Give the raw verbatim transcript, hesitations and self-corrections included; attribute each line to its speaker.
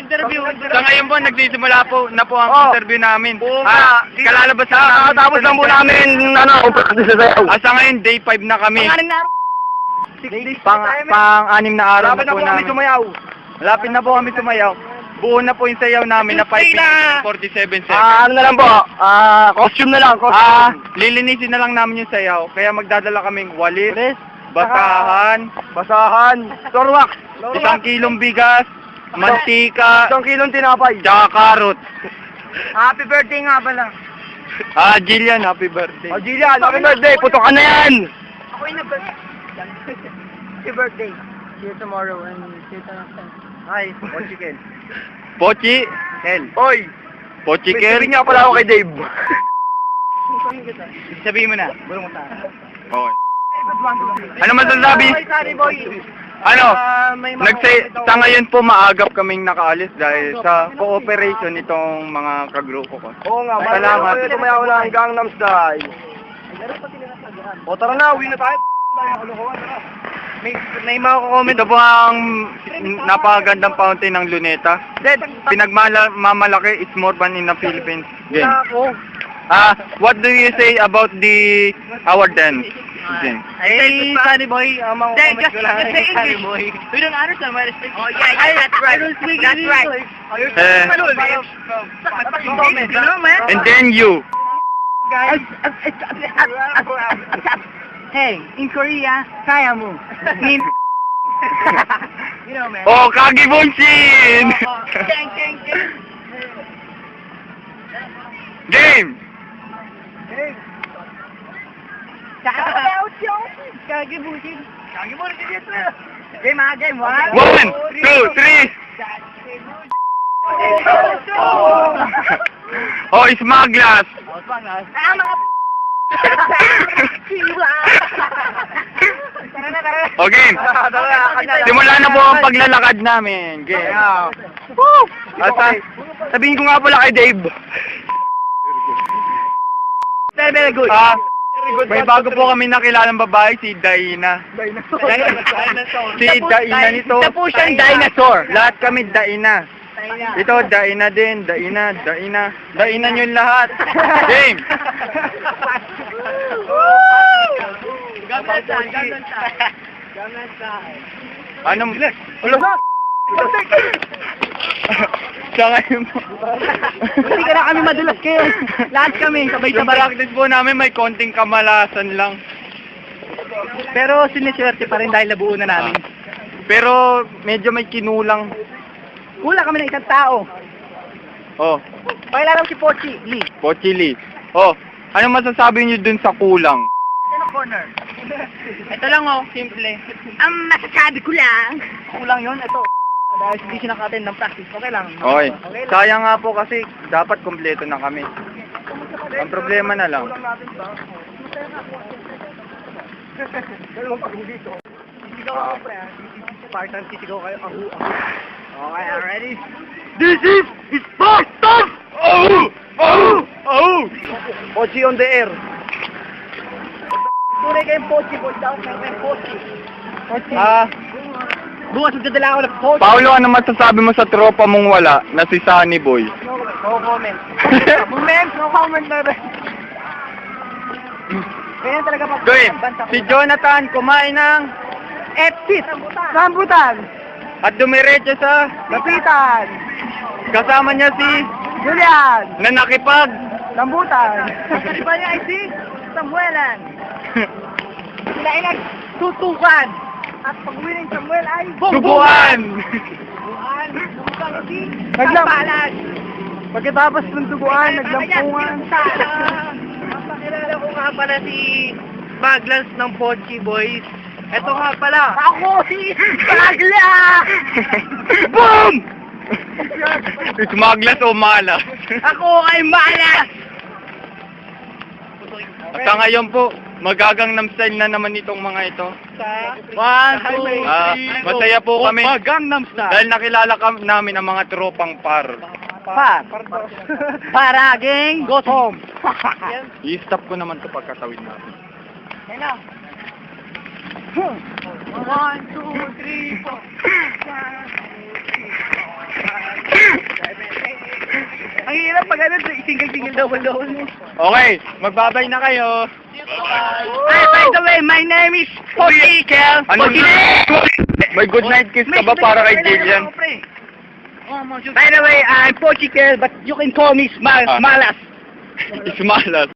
Speaker 1: interview.
Speaker 2: Sa ngayon po, nagsisimula po na po ang
Speaker 1: Oh.
Speaker 2: interview namin.
Speaker 1: Oo
Speaker 2: Ah,
Speaker 1: nga.
Speaker 2: kalalabas na namin.
Speaker 1: Nakatapos lang po namin, ano, kung practice sa sayaw.
Speaker 2: Ah, sa ngayon, day five na kami.
Speaker 1: Pangalan na
Speaker 2: Pang, pang-anim na araw
Speaker 1: Lapit
Speaker 2: na
Speaker 1: na
Speaker 2: po
Speaker 1: po kami
Speaker 2: namin.
Speaker 1: sumayaw.
Speaker 2: Lapit na po kami sumayaw. Buo na po yung sayaw namin na five
Speaker 1: Tuesday na.
Speaker 2: minutes forty-seven seconds.
Speaker 1: Ah, ano na lang po, ah, costume na lang,
Speaker 2: Ah,
Speaker 1: costume.
Speaker 2: lilinisin na lang namin yung sayaw. Kaya magdadala kaming walis,
Speaker 1: Walis,
Speaker 2: basahan,
Speaker 1: basahan, torwax,
Speaker 2: isang kilong bigas, mantika,
Speaker 1: isang kilong tinapay.
Speaker 2: tsaka karot.
Speaker 1: Happy birthday nga pala.
Speaker 2: Ah, Jillian, happy birthday.
Speaker 1: Oh, Jillian, happy birthday, putok ka na yan.
Speaker 3: Ako yung nag- Happy birthday. See you tomorrow and see you next time.
Speaker 1: Hi, what chicken?
Speaker 2: Pochi,
Speaker 1: Ken. Oy,
Speaker 2: Pochi
Speaker 1: may
Speaker 2: Kel.
Speaker 1: sabihin niya pala ako kay Dave.
Speaker 2: Sabihin mo na.
Speaker 1: Bulong mo sa akin.
Speaker 2: Okay. Ano masasabi?
Speaker 1: Sorry, boy.
Speaker 2: Ano?
Speaker 1: Ah, may mga-
Speaker 2: Nagsay, sa ngayon po maagap kaming nakaalis dahil sa cooperation nitong mga kagrupo ko.
Speaker 1: Oo nga,
Speaker 2: Salamat.
Speaker 1: Salamat. Tumayaw na ang Gangnam Style. O tara na, uwi na tayo.
Speaker 2: May, may mga Ito po ang napakagandang fountain ng Luneta. Pinagmamalaki is more fun in the Philippines. Game.
Speaker 1: Ako.
Speaker 2: Ah, what do you say about the our dance? Game.
Speaker 1: Hey, Sunny Boy, ang mga
Speaker 3: Then,
Speaker 1: comments
Speaker 3: just,
Speaker 1: ko lang
Speaker 3: just
Speaker 1: kay
Speaker 3: say
Speaker 1: Sunny
Speaker 3: English.
Speaker 1: Boy.
Speaker 3: We don't understand what it's speaking. Oh, yeah, yeah, that's right. That's right.
Speaker 2: Eh,
Speaker 3: You know, man?
Speaker 2: and then you.
Speaker 1: Guys,
Speaker 3: Hey, in Korea, kaya mo. In... you know, man.
Speaker 2: Oh, Kagibonshin!
Speaker 3: Dang, dang, dang.
Speaker 2: Game!
Speaker 3: Kagibusin. Kagibusin dito. Game ah, game. One,
Speaker 2: One, two, three. Oh, smugglers!
Speaker 3: Ah, mga Tara na, tara na.
Speaker 2: Okay. Simula na po ang paglalakad namin. Game.
Speaker 1: Woo!
Speaker 2: At sa- sabihin ko nga pala kay Dave.
Speaker 1: Very, very good.
Speaker 2: Ah, may bago po kami nakilalang babae, si Daina.
Speaker 1: Dinosaur.
Speaker 2: Si Daina nito.
Speaker 1: Isa po siyang dinosaur.
Speaker 2: Lahat kami Daina. Ito, Daina din, Daina, Daina. Daina nyo lahat. Game!
Speaker 3: Gamnan sa, gamnan sa. Gamnan sa.
Speaker 2: Ano? Ulo! Sa ngayon po.
Speaker 3: Hindi ka na kami madulas kayo. Lahat kami,
Speaker 2: Yung
Speaker 3: sabay-sabay.
Speaker 2: practice po namin, may konting kamalasan lang.
Speaker 3: Pero siniswerte pa rin dahil nabuo na namin.
Speaker 2: Pero medyo may kinulang.
Speaker 3: Kulang kami ng isang tao.
Speaker 2: Oh,
Speaker 3: Pakilala mo si Pochi, Lee.
Speaker 2: Pochili. Oh, ano masasabi niyo dun sa kulang?
Speaker 3: Ano corner? Ito lang oh, simple. Ang masasabi ko lang. Kulang yon ito. Dahil hindi siya naka-attend ng practice, okay lang.
Speaker 2: Okay.
Speaker 3: Okay lang.
Speaker 2: Sayang nga po kasi dapat kompleto na kami. Ang problema na lang.
Speaker 1: Dalawang pag dito.
Speaker 3: Sisigaw ako, pre. ah. Spartan, sisigaw kayo. Ahu, ahu. Okay, ready?
Speaker 2: This is Sparta! Oh! Oh! Oh!
Speaker 1: Pochi on the air.
Speaker 3: Tunay kayong Pochi, boy. Down kayong Pochi. Pochi.
Speaker 2: Ah,
Speaker 3: Bukas magdadala ako ng Pochi.
Speaker 2: Paolo, ano masasabi mo sa tropa mong wala na si Sunny Boy?
Speaker 3: No comment. Moment, no comment na rin. Ganyan talaga pag
Speaker 2: Gawin,
Speaker 3: banta ko.
Speaker 2: si Jonathan kumain ng
Speaker 3: Exit! Rambutan!
Speaker 2: at dumiretso sa
Speaker 3: Lapitan!
Speaker 2: kasama niya si
Speaker 3: Julian!
Speaker 2: na nakipag.
Speaker 3: Rambutan! Iba niya ay si Samuelan! Sila ay nagtutukan! At pag-uwi ng Samuel ay
Speaker 2: Subuan!
Speaker 3: Buwan! Subukan si
Speaker 1: Naglam-
Speaker 3: Sampalan!
Speaker 1: Pagkatapos ng duguan, naglampungan.
Speaker 3: Napakilala ko nga pala si Maglans ng Pochi Boys. Ito nga pala. Ako si Magla!
Speaker 2: Boom! Smugglers o malas?
Speaker 3: Ako ay malas!
Speaker 2: At sa ngayon po, magagangnam style na naman itong mga ito.
Speaker 3: One, two,
Speaker 2: Ah, masaya po kami.
Speaker 3: Gangnam
Speaker 2: Dahil nakilala kam namin ang mga tropang par.
Speaker 3: Pa. Para gang, go home.
Speaker 2: I-stop ko naman ito pagkatawid natin.
Speaker 3: Yan na. One, two, three, four. Ang hirap pag ano, single-single, double-double mo.
Speaker 2: Okay, magbabay na kayo.
Speaker 3: Hey, by the way, my name is Pochi Kel.
Speaker 2: Ano?
Speaker 3: Pochi
Speaker 2: May good night kiss ka ba para kay Jillian?
Speaker 3: By the way, I'm Pochi Kel, but you can call me Smal
Speaker 2: Ah.
Speaker 3: Smalas.
Speaker 2: Ismalas.